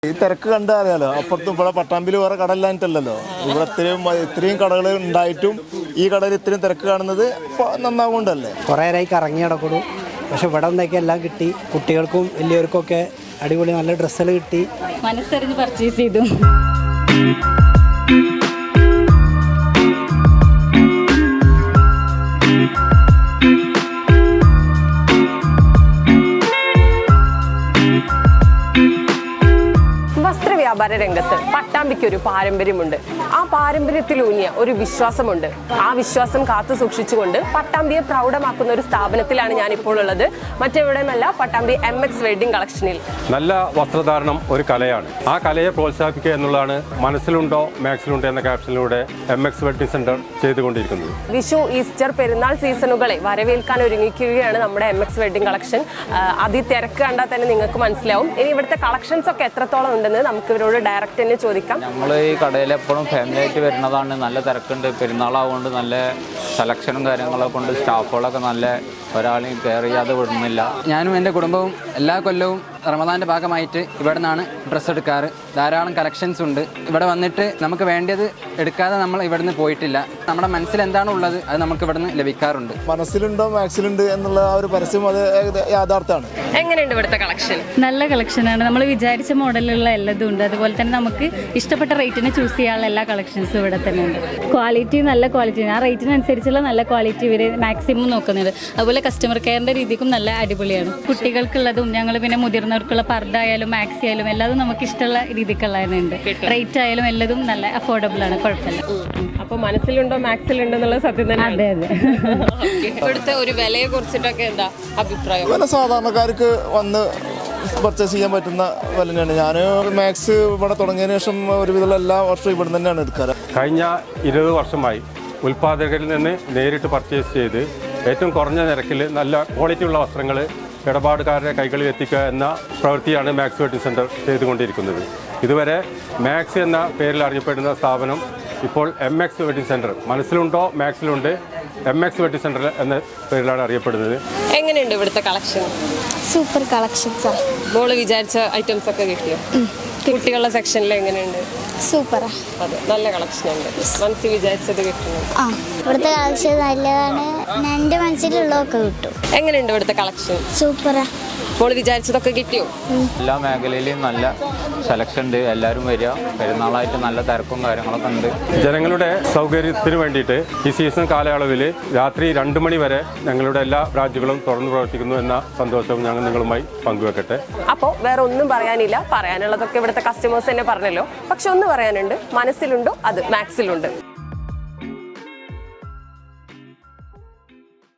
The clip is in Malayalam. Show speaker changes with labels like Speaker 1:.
Speaker 1: ഈ തിരക്ക് കണ്ടാൽ അറിയാലോ, അപ്പുറത്തും ഇവിടെ പട്ടാമ്പിൽ വേറെ കടയില്ലാഞ്ഞിട്ടല്ലോ. ഇവിടെ ഇത്രയും കടകൾ ഉണ്ടായിട്ടും ഈ കടയിൽ ഇത്രയും തിരക്ക് കാണുന്നത് നന്നാവുകൊണ്ടല്ലേ.
Speaker 2: കുറേ നേരമായി കറങ്ങി നടക്കുന്നു. പക്ഷെ ഇവിടെ ഒന്നൊക്കെ എല്ലാം കിട്ടി. കുട്ടികൾക്കും വലിയവർക്കും ഒക്കെ അടിപൊളി നല്ല ഡ്രസ്സുകൾ കിട്ടി.
Speaker 3: മനസ്സറിഞ്ഞ് പർച്ചേസ് ചെയ്തു.
Speaker 4: വസ്ത്രവ്യാപാര രംഗത്ത് പട്ടാമ്പിക്ക് ഒരു പാരമ്പര്യമുണ്ട്. ആ പാരമ്പര്യത്തിലൂന്നിയ ഒരു വിശ്വാസമുണ്ട്. ആ വിശ്വാസം കാത്തു സൂക്ഷിച്ചുകൊണ്ട് പട്ടാമ്പിയെ പ്രൗഢമാക്കുന്ന ഒരു സ്ഥാപനത്തിലാണ് ഞാനിപ്പോൾ ഉള്ളത്. മറ്റെവിടെയുമല്ല, പട്ടാമ്പി MX വെഡിങ് കളക്ഷനിൽ.
Speaker 5: നല്ല വസ്ത്രധാരണം ഒരു കലയാണ്. ആ കലയെ പ്രോത്സാഹിപ്പിക്കുക എന്നുള്ളതാണ് മനസ്സിലുണ്ടോ മാക്സിലുണ്ടോ എന്ന ക്യാപ്ഷനിലൂടെ MX വെഡിങ് സെന്റർ ചെയ്തുകൊണ്ടിരിക്കുന്നത്.
Speaker 4: വിഷു, ഈസ്റ്റർ, പെരുന്നാൾ സീസണുകളെ വരവേൽക്കാൻ ഒരുങ്ങിക്കുകയാണ് നമ്മുടെ MX വെഡിങ് കളക്ഷൻ. തിരക്ക് കണ്ടാൽ തന്നെ നിങ്ങൾക്ക് മനസ്സിലാവും. ഇനി ഇവിടുത്തെ കളക്ഷൻസ് ഒക്കെ എത്രത്തോളം ഉണ്ടെന്ന് നമുക്ക് ഇവരോട് ഡയറക്റ്റ് തന്നെ ചോദിക്കാം.
Speaker 6: നമ്മൾ ഈ കടയിൽ എപ്പോഴും ഫാമിലി ആയിട്ട് വരുന്നതാണ്. നല്ല തിരക്കുണ്ട്. പെരുന്നാളാവുകൊണ്ട് നല്ല സെലക്ഷനും കാര്യങ്ങളൊക്കെ കൊണ്ട് സ്റ്റാഫുകളൊക്കെ നല്ല ഒരാളെയും കെയർ ചെയ്യാതെ വിടുന്നില്ല. ഞാനും എൻ്റെ കുടുംബവും എല്ലാ കൊല്ലവും റമദാൻ്റെ ഭാഗമായിട്ട് ഇവിടെ നിന്നാണ് ഡ്രസ്സ് എടുക്കാറ്. ധാരാളം കളക്ഷൻസ് ഉണ്ട്. ഇവിടെ വന്നിട്ട് നമുക്ക് വേണ്ടത് എടുക്കാതെ നമ്മൾ ഇവിടുന്ന് പോയിട്ടില്ല. നമ്മുടെ മനസ്സിൽ എന്താണ് ഉള്ളത് അത് നമുക്ക് ഇവിടുന്ന് ലഭിക്കാറുണ്ട്.
Speaker 1: മനസ്സിലുണ്ടോ മാക്സിലുണ്ട് എന്നുള്ള ആ ഒരു പരസ്യം അത് യാഥാർത്ഥ്യമാണ്.
Speaker 4: എങ്ങനെയുണ്ട് ഇവിടുത്തെ കളക്ഷൻ?
Speaker 3: നല്ല കളക്ഷനാണ്. നമ്മൾ വിചാരിച്ച മോഡലുള്ള എല്ലാതും ഉണ്ട്. അതുപോലെ തന്നെ നമുക്ക് ഇഷ്ടപ്പെട്ട റേറ്റിന് ചൂസ് ചെയ്യാനുള്ള എല്ലാ കളക്ഷൻസും ഇവിടെ തന്നെ ഉണ്ട്. ക്വാളിറ്റി നല്ല ക്വാളിറ്റി, ആ റേറ്റിനനുസരിച്ചുള്ള നല്ല ക്വാളിറ്റി ഇവർ മാക്സിമം നോക്കുന്നുണ്ട്. അതുപോലെ കസ്റ്റമർ കെയറിൻ്റെ രീതിക്കും നല്ല അടിപൊളിയാണ്. കുട്ടികൾക്കുള്ളതും ഞങ്ങൾ പിന്നെ മുതിർന്നവർക്കുള്ള പർദ്ദ ആയാലും മാക്സി ആയാലും എല്ലാതും നമുക്ക് ഇഷ്ടമുള്ള രീതിക്കുള്ളതുണ്ട്. റേറ്റ് ആയാലും എല്ലാതും നല്ല അഫോർഡബിൾ ആണ്, കുഴപ്പമില്ല.
Speaker 4: അപ്പോൾ മനസ്സിലുണ്ടോ മാക്സിലുണ്ടോ എന്നുള്ളത് സത്യം തന്നെ.
Speaker 3: അതെ അതെ.
Speaker 4: ഇവിടുത്തെ ഒരു വിലയെ കുറിച്ചിട്ടൊക്കെ എന്താ അഭിപ്രായം?
Speaker 1: വില സാധാരണക്കാർക്ക് വന്ന് പർച്ചേസ് ചെയ്യാൻ പറ്റുന്ന വില തന്നെയാണ്. ഞാൻ മാക്സ് ഇവിടെ തുടങ്ങിയതിന് ശേഷം ഒരുവിധമുള്ള എല്ലാ വർഷവും ഇവിടെ തന്നെയാണ് എടുക്കാറ്.
Speaker 5: കഴിഞ്ഞ 20 വർഷമായി ഉൽപ്പാദകരിൽ നിന്ന് നേരിട്ട് പർച്ചേസ് ചെയ്ത് ഏറ്റവും കുറഞ്ഞ നിരക്കിൽ നല്ല ക്വാളിറ്റിയുള്ള വസ്ത്രങ്ങൾ ഇടപാടുകാരുടെ കൈകളിൽ എത്തിക്കുക എന്ന പ്രവൃത്തിയാണ് മാക്സ് വെഡിങ് സെൻറ്റർ ചെയ്തുകൊണ്ടിരിക്കുന്നത്. ഇതുവരെ മാക്സ് എന്ന പേരിൽ അറിയപ്പെടുന്ന സ്ഥാപനം ഇപ്പോൾ MX വെഡിങ് സെൻറ്റർ, മനസ്സിലുണ്ടോ മാക്സിലുണ്ട്, MX വെഡിങ് സെൻറ്റർ എന്ന പേരിലാണ് അറിയപ്പെടുന്നത്.
Speaker 4: എങ്ങനെയുണ്ട് ഇവിടുത്തെ കളക്ഷൻ?
Speaker 7: സൂപ്പർ കളക്ഷൻസാ.
Speaker 4: മോള് വിചാരിച്ച ഐറ്റംസ് ഒക്കെ കിട്ടിയോ? കുട്ടികളുടെ സെക്ഷനിൽ എങ്ങനെയുണ്ട്?
Speaker 7: സൂപ്പറാ.
Speaker 4: അതെ, നല്ല കളക്ഷൻ ഉണ്ട്. മനസ്സിൽ വിചാരിച്ചത് കിട്ടുന്നു.
Speaker 7: ഇവിടുത്തെ കളക്ഷൻ നല്ലതാണ്. എൻ്റെ മനസ്സിലുള്ളതൊക്കെ കിട്ടും.
Speaker 4: എങ്ങനെയുണ്ട് ഇവിടുത്തെ കളക്ഷൻ?
Speaker 7: സൂപ്പറാ.
Speaker 4: മോള് വിചാരിച്ചതൊക്കെ കിട്ടിയോ?
Speaker 6: എല്ലാ മേഖലയിലും നല്ല സെലക്ഷൻ ഉണ്ട്. എല്ലാവരും വരിക. പെരുന്നാളായിട്ട് നല്ല തിരക്കും കാര്യങ്ങളൊക്കെ ഉണ്ട്.
Speaker 5: ജനങ്ങളുടെ സൗകര്യത്തിന് വേണ്ടിയിട്ട് ഈ സീസൺ കാലയളവിൽ രാത്രി 2 മണി വരെ ഞങ്ങളുടെ എല്ലാ ബ്രാഞ്ചുകളും തുറന്നു പ്രവർത്തിക്കുന്നു എന്ന സന്തോഷവും ഞങ്ങൾ നിങ്ങളുമായി പങ്കുവെക്കട്ടെ.
Speaker 4: അപ്പോൾ വേറെ ഒന്നും പറയാനില്ല. പറയാനുള്ളതൊക്കെ ഇവിടുത്തെ കസ്റ്റമേഴ്സ് തന്നെ പറഞ്ഞല്ലോ. പക്ഷെ ഒന്ന് പറയാനുണ്ട്, മനസ്സിലുണ്ടോ അത് മാക്സിലുണ്ട്.